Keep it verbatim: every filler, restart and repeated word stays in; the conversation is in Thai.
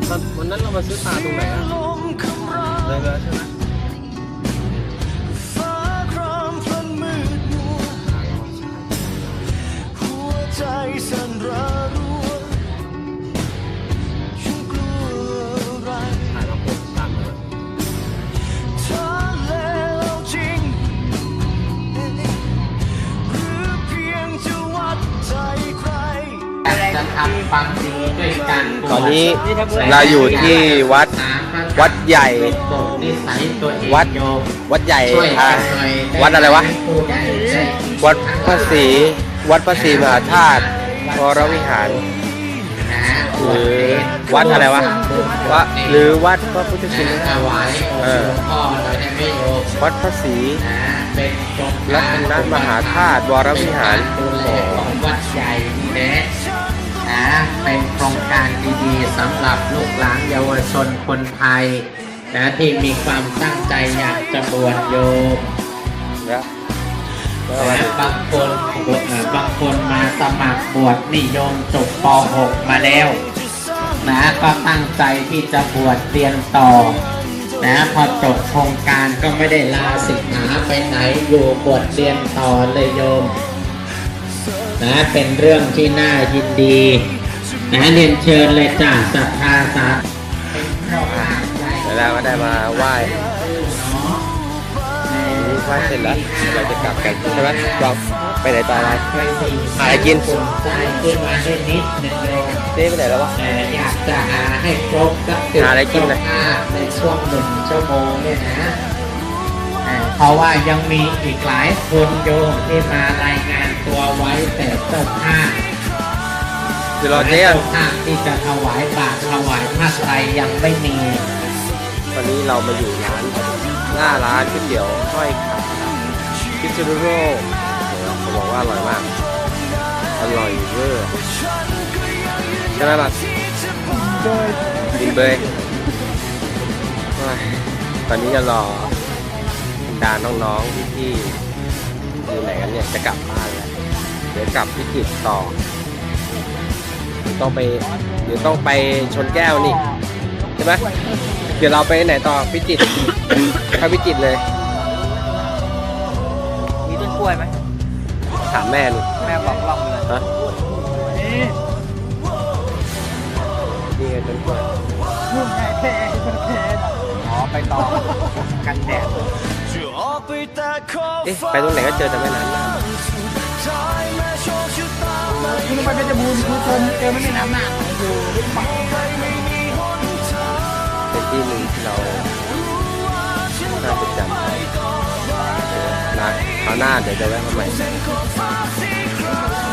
วันนั้นเรามาซื้อปลาตรงไหนอ่ะเลยแล้วใช่ไหมจะทำความดีด้วยกันตอนนี้เราอยู่ที่วัดวัดใหญ่วัดวัดใหญ่อ่าวัดอะไรวะวัดพระศรีวัดพระศรีมหาธาตุวรวิหารหรือวัดอะไรวะวะหรือวัดพระพุทธชินราชเออวัดพระศรีรัตนมหาธาตุวรวิหารของวัดใหญ่นี่นะนะเป็นโครงการดีๆสำหรับลูกหลานเยาวชนคนไทยนะที่มีความตั้งใจอยากจะบวชโยมนะบางคนบางคนมาสมัครบวชนิยมจบป หก มาแล้วนะก็ตั้งใจที่จะบวชเรียนต่อนะพอจบโครงการก็ไม่ได้ลาสิกขาไปไหนอยู่บวชเรียนต่อเลยโยมนะเป็นเรื่องที่น่ายินดีนะเรียนเชิญเลยจ้าศรัทธาสาธุแล้วก็ได้มาไหว้ไหว้เสร็จแล้วเราจะกลับกันใช่ไหมบอกไปไหนต่ออะไรหาอะไรกินใจขึ้นมาได้นิดหนึ่งโยมเจ๊ไปไหนแล้ววะอยากจะหาให้ครบสักสิบหาอะไรกินนะในช่วงหนึ่งชั่วโมงเนี่ยนะเพราะว่ายังมีอีกหลายคนโยมที่มารายงานตัวไว้แต่เจ้าภาพเดี๋ยวรอเจ๊เจ้าภาพที่จะถวายบาตรถวายผ้าไตรยังไม่มีวันนี้เรามาอยู่ร้านหน้าร้านก๋วยเตี๋ยวห้อยขาพิซซ่าโร่เขาบอกว่าอร่อยมากอร่อยเวอร์ใช่ไหมล่ะกินเบยตอนนี้จะรอดาน้องๆพี่ๆอยู่ไหนกันเนี่ยจะกลับบ้านแล้วเดี๋ยวกลับพิจิตรต่อต้องไปเดี๋ยวต้องไปชนแก้วนี่ใช่ไหมเดี๋ยวเราไปไหนต่อพิจิตรเข้าพิจิตรเลยมีต้นกล้วยไหมถามแม่นี่แม่บอกลองเลยฮะนี่ไงต้นกล้วยอ๋อไปต่อกันแดดเอ๊ะไปตรงไหนก็เจอแต่ไม่นานคุณไปเพชรบูรณ์คุณชมเจอไม่ได้น้ำหนักอยู่เป็นที่หนึ่งที่เราน่าจะจำนะคราวหน้าเดี๋ยวจะแวะมาใหม่